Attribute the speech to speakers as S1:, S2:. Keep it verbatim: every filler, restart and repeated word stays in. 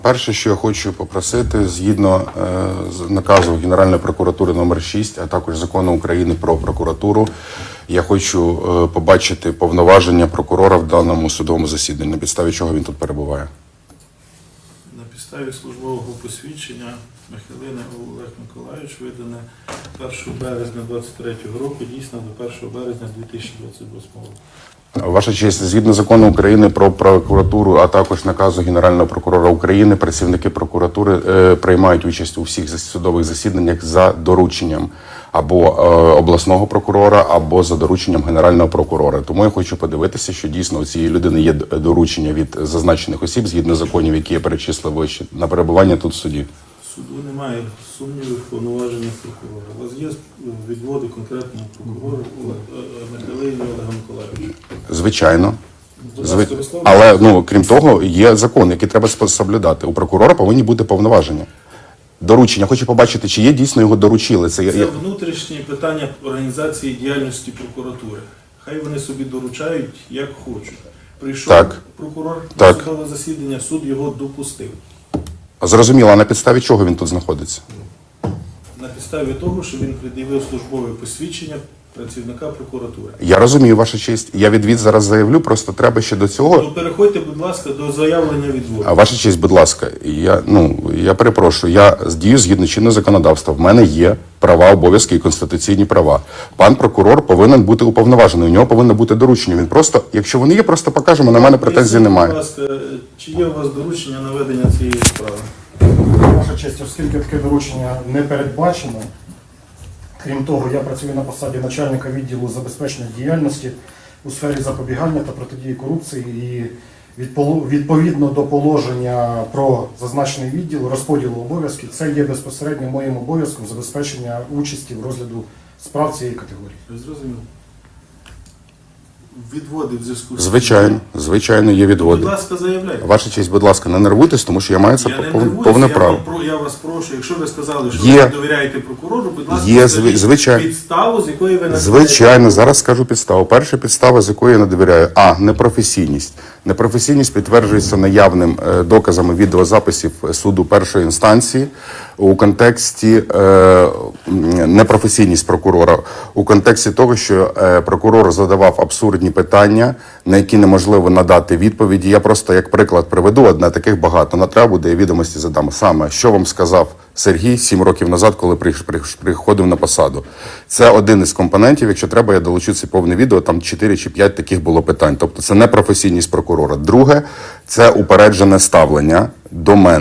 S1: Перше, що я хочу попросити, згідно е, з наказу Генеральної прокуратури номер шість, а також Закону України про прокуратуру, я хочу е, побачити повноваження прокурора в даному судовому засіданні, на підставі чого він тут перебуває.
S2: На підставі службового посвідчення Михайлини Олег Миколайович видане першого березня двадцять третього року, дійсно до першого березня дві тисячі двадцять восьмого року.
S1: Ваша честь, згідно закону України про прокуратуру, а також наказу Генерального прокурора України, працівники прокуратури е, приймають участь у всіх судових засіданнях за дорученням або е, обласного прокурора, або за дорученням Генерального прокурора. Тому я хочу подивитися, що дійсно у цієї людини є доручення від зазначених осіб, згідно законів, які я перечислив вище, на перебування тут в суді.
S2: Суду немає сумнівів в повноваженнях прокурора. У вас є відводи конкретного прокурора Михайлини Олега Миколайовича?
S1: Звичайно.
S2: Будь
S1: Зви...
S2: ласка, висловлюйте.
S1: Але, ну, крім того, є закон, який треба соблюдати. У прокурора повинні бути повноваження. Доручення. Хочу побачити, чи є дійсно його доручили. Це,
S2: Це внутрішні питання організації діяльності прокуратури. Хай вони собі доручають, як хочуть. Прийшов
S1: Так.
S2: прокурор
S1: Так.
S2: на судове засідання, суд його допустив.
S1: Зрозуміло, а на підставі чого він тут знаходиться?
S2: На підставі того, що він пред'явив службове посвідчення працівника прокуратури.
S1: Я розумію, ваша честь. Я відвід зараз заявлю, просто треба ще до цього.
S2: То переходьте, будь ласка, до заявлення відводу.
S1: А ваша честь, будь ласка, я, ну, я перепрошую, я дію згідно чинного законодавства. В мене є права, обов'язки і конституційні права. Пан прокурор повинен бути уповноважений, у нього повинно бути доручення. Він просто, якщо вони є, просто покажемо, на мене претензій
S2: Поясніть,
S1: немає.
S2: Будь ласка, чи є у вас доручення на ведення цієї справи?
S3: Ваша честь, оскільки таке доручення не передбачено, крім того, я працюю на посаді начальника відділу забезпечення діяльності у сфері запобігання та протидії корупції і відпол- відповідно до положення про зазначений відділ розподілу обов'язків, це є безпосередньо моїм обов'язком забезпечення участі в розгляду справ цієї категорії.
S2: Ви зрозуміли? Відводи в зв'язку з...
S1: Звичайно, звичайно, є
S2: Будь
S1: відводи.
S2: ласка, заявляйте.
S1: Ваша честь, будь ласка, не нервуйтесь, тому що я маю це
S2: Я не
S1: пов-
S2: нервуюся,
S1: повне
S2: я,
S1: право.
S2: вам про- я вас прошу, якщо ви сказали, що
S1: Є.
S2: ви довіряєте прокурору, будь ласка,
S1: Є,
S2: скажіть
S1: зви- звичайно.
S2: підставу, з якої ви надаєте.
S1: Звичайно, зараз скажу підставу. Перша підстава, з якої я не довіряю. А. Непрофесійність. Непрофесійність підтверджується наявним е, доказами відеозаписів суду першої інстанції у контексті е, м, непрофесійність прокурора, у контексті того, що е, прокурор задавав абсурдні питання, на які неможливо надати відповіді. Я просто як приклад приведу, одне таких багато. На треба буде, я відомості задам. Саме, що вам сказав Сергій сім років назад, коли приш- приш- приходив на посаду. Це один із компонентів. Якщо треба, я долучу це повне відео, там чотири чи п'ять таких було питань. Тобто це не професійність прокурора. Друге, це упереджене ставлення до мене.